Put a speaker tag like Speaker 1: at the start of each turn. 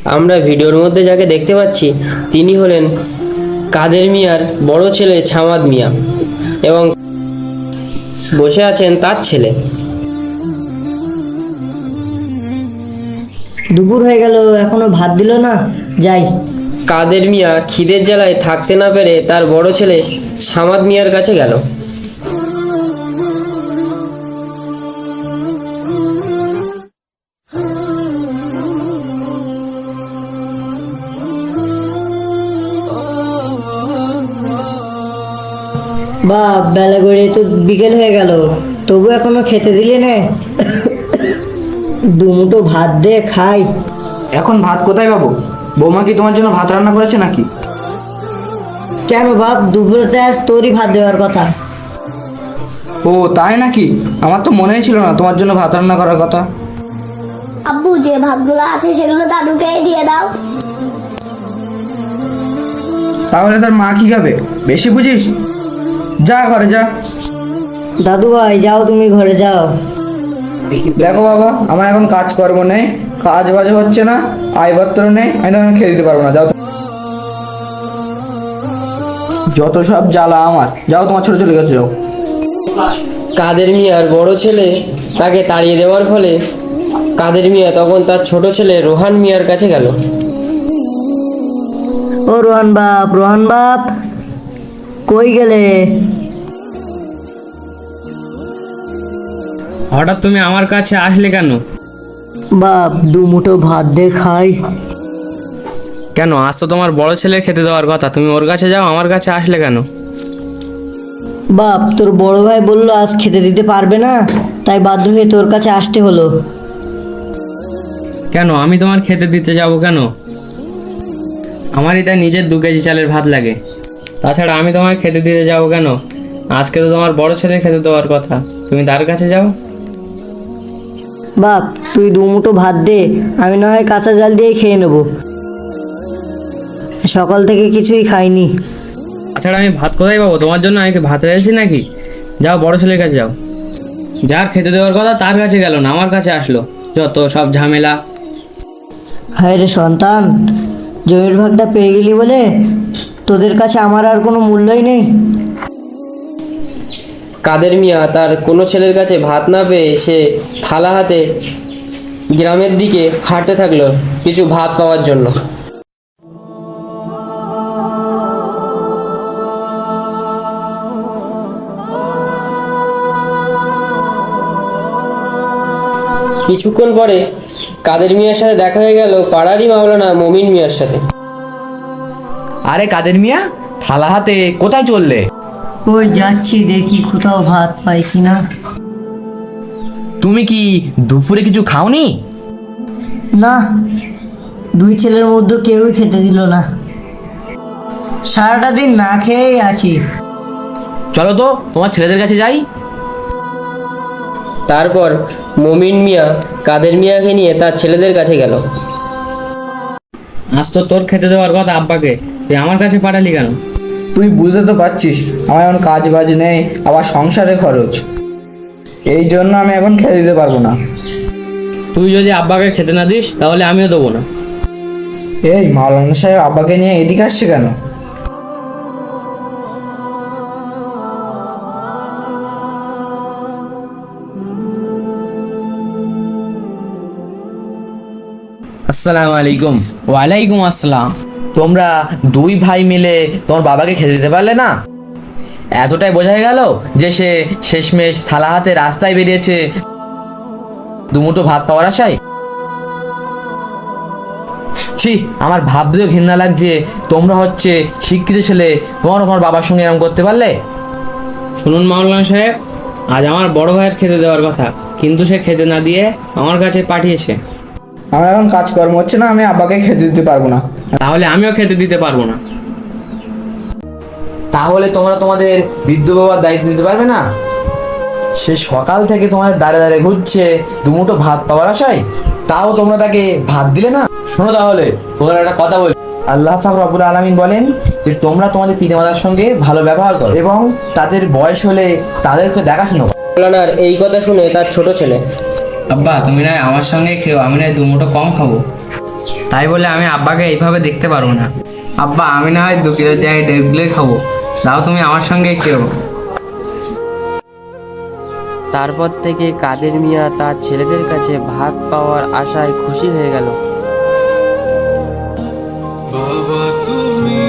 Speaker 1: আমরা ভিডিওর মধ্যে যাকে দেখতে পাচ্ছি তিনি হলেন কাদের মিয়ার বড় ছেলে ছামাদ মিয়া এবং বসে আছেন তার ছেলে।
Speaker 2: দুপুর হয়ে গেল, এখনো ভাত দিল না, যাই।
Speaker 1: কাদের মিয়া খিদের জ্বালায় থাকতে না পেরে তার বড় ছেলে ছামাদ মিয়ার কাছে গেল।
Speaker 2: বাপ, বেলা গড়িয়ে তো বিকেল হয়ে গেল, তবু এখনো খেতে দিলে না। দুমুঠো ভাত দে খাই।
Speaker 3: এখন ভাত কোথায় পাবো? বৌমা কি তোমার জন্য ভাত রান্না করেছে নাকি?
Speaker 2: কেন বাপ, দুপুরেতে আজ তোরই ভাত দেওয়ার কথা।
Speaker 3: ও তাই নাকি? আমার তো মনেই ছিল না তোমার জন্য ভাত রান্না করার কথা।
Speaker 4: আব্বু, যে ভাতগুলো আছে সেগুলো দাদুকে দিয়ে দাও।
Speaker 3: তাহলে তার মা কি খাবে? বেশি বুঝিস, যা ঘরে যা।
Speaker 2: দাদু ভাই যাও, তুমি ঘরে যাও।
Speaker 3: দেখো বাবা, আমার এখন কাজকর্ম নেই, কাজ বাজ হচ্ছে না, আয়পত্র নেই, আমি তখন খেয়ে দিতে পারবো না। যাও, যত সব জ্বালা আমার। যাও, তোমার ছোট চলে গেছে, যাও।
Speaker 1: কাদের মিয়ার বড় ছেলে তাকে তাড়িয়ে দেওয়ার ফলে কাদের মিয়া তখন তার ছোট ছেলে রোহান মিয়ার কাছে গেল।
Speaker 2: ও রোহান বাপ, রোহান বাপ, কই গেলে?
Speaker 5: হঠাৎ তুমি আমার কাছে আসলে কেন?
Speaker 2: বাপ, দুমুঠো ভাত দে খাই।
Speaker 5: কেন, আজ তো তোমার বড় ছেলের খেতে দেওয়ার কথা, তুমি ওর কাছে যাও, আমার কাছে আসলে কেন?
Speaker 2: বাপ, তোর বড় ভাই বললো আজ খেতে দিতে পারবে না, তাই বাধ্য হয়ে তোর কাছে আসতে হলো।
Speaker 5: কেন, আমি তোমার খেতে দিতে যাব কেন? আমারই তাই নিজের 2 কেজি চালের ভাত লাগে। তাছাড়া আমি তোমার খেতে দিতে যাব কেন? আজকে তো তোমার বড় ছেলের খেতে দেওয়ার কথা, তুমি তার কাছে যাও।
Speaker 2: বাপ, তুই দুমুঠো ভাত দে, আমি না হয় কাঁচা জাল দিয়ে খেয়ে নেব, সকাল থেকে কিছুই খাইনি।
Speaker 5: তাছাড়া আমি ভাত কোথায় পাবো? তোমার জন্য আমি কি ভাত রেখেছি নাকি? যাও, বড় ছেলের কাছে যাও। যার খেতে দেওয়ার কথা তার কাছে গেল না, আমার কাছে আসলো, যত সব ঝামেলা।
Speaker 2: হায় রে সন্তান, জমির ভাগটা পেয়ে গেলি বলে তোদের কাছে আমার আর কোনো মূল্যই নেই।
Speaker 1: কাদের মিয়া তার কোনো ছেলের কাছে ভাত না পেয়ে সে থালা হাতে গ্রামের দিকে হাঁটতে থাকলো কিছু ভাত পাওয়ার জন্য। কিছুক্ষণ পরে কাদের মিয়ার সাথে দেখা হয়ে গেল পাড়ারই মাওলানা মমিন মিয়ার সাথে।
Speaker 6: আরে কাদের মিয়া, থালা হাতে কোথায় চললে?
Speaker 2: ওই যাচ্ছি, দেখি কোথাও ভাত পাই কিনা।
Speaker 6: তুমি কি দুপুরে কিছু খাওনি?
Speaker 2: না, 2 ছেলের মধ্যে কেউই খেতে দিল না, সারাটা দিন না খেয়েই আছি।
Speaker 6: চলো তো তোমার ছেলেদের কাছে যাই।
Speaker 1: তারপর মমিন মিয়া কাদের মিয়াকে নিয়ে তার ছেলেদের কাছে গেল।
Speaker 5: আজ তো তোর খেতে দেওয়ার কথা আব্বাকে, তুই আমার কাছে পাঠালি কেন?
Speaker 3: তুই বুঝতে তো পারছিস আমার এখন কাজ বাজ নেই, আবার সংসারে খরচ, এই জন্য আমি এখন খেতে দিতে পারবো না।
Speaker 5: তুই যদি আব্বাকে খেতে না দিস তাহলে আমিও দেবো না।
Speaker 3: এই মাওলানা সাহেব আব্বাকে নিয়ে এদিকে আসছে কেন?
Speaker 6: আসসালামু আলাইকুম।
Speaker 5: ওয়ালাইকুম আসসালাম।
Speaker 6: তোমরা 2 ভাই মিলে তোমার বাবাকে খেতে দিতে পারলে না? এতটাই বোঝা গেল যে সে শেষমেশ থালা হাতে রাস্তায় বেরিয়েছে দুমুঠো ভাত পাওয়ার আশায়। ছি, আমার ভাবতেও ঘৃণা লাগছে। তোমরা হচ্ছে শিক্ষিত ছেলে, তোমার বাবার সঙ্গে এরকম করতে পারলে?
Speaker 5: শুনুন মাওলানা সাহেব, আজ আমার বড় ভাইয়ের খেতে দেওয়ার কথা, কিন্তু সে খেতে না দিয়ে আমার কাছে পাঠিয়েছে।
Speaker 3: আমার এখন কাজকর্ম হচ্ছে না, আমি আব্বাকে খেতে দিতে পারবো না।
Speaker 5: তাহলে আমিও খেতে দিতে পারবো না।
Speaker 6: তাহলে তোমরা তোমাদের বৃদ্ধ বাবার দায়িত্ব নিতে পারবে না? সে সকাল থেকে তোমাদের দাঁড়ে দাঁড়িয়ে ঘুরছে দুমুঠো ভাত পাওয়ার আশায়, তাও তোমরা তাকে ভাত দিলে না। শোনো তাহলে, তোমরা একটা কথা বলি, আল্লাহ পাক রব্বুল আলামিন বলেন যে তোমরা তোমাদের পিতামাতার সঙ্গে ভালো ব্যবহার করো এবং তাদের বয়স হলে তাদেরকে দেখাশোনা করো।
Speaker 1: মাওলানার এই কথা শুনে তার ছোট ছেলে,
Speaker 5: আব্বা তুমি না আমার সঙ্গে খেও, আমি না দুমুঠো কম খাবো। তাই বলে আমি আব্বাকে এইভাবে দেখতে পারবো না। আব্বা, আমি না হয় 2 কিলোর জায়গায় 1.5 কিলোই খাবো, দাও তুমি আমার সঙ্গে কেউ।
Speaker 1: তারপর থেকে কাদের মিয়া তার ছেলেদের কাছে ভাত পাওয়ার আশায় খুশি হয়ে গেল।
Speaker 7: বাবা তুমি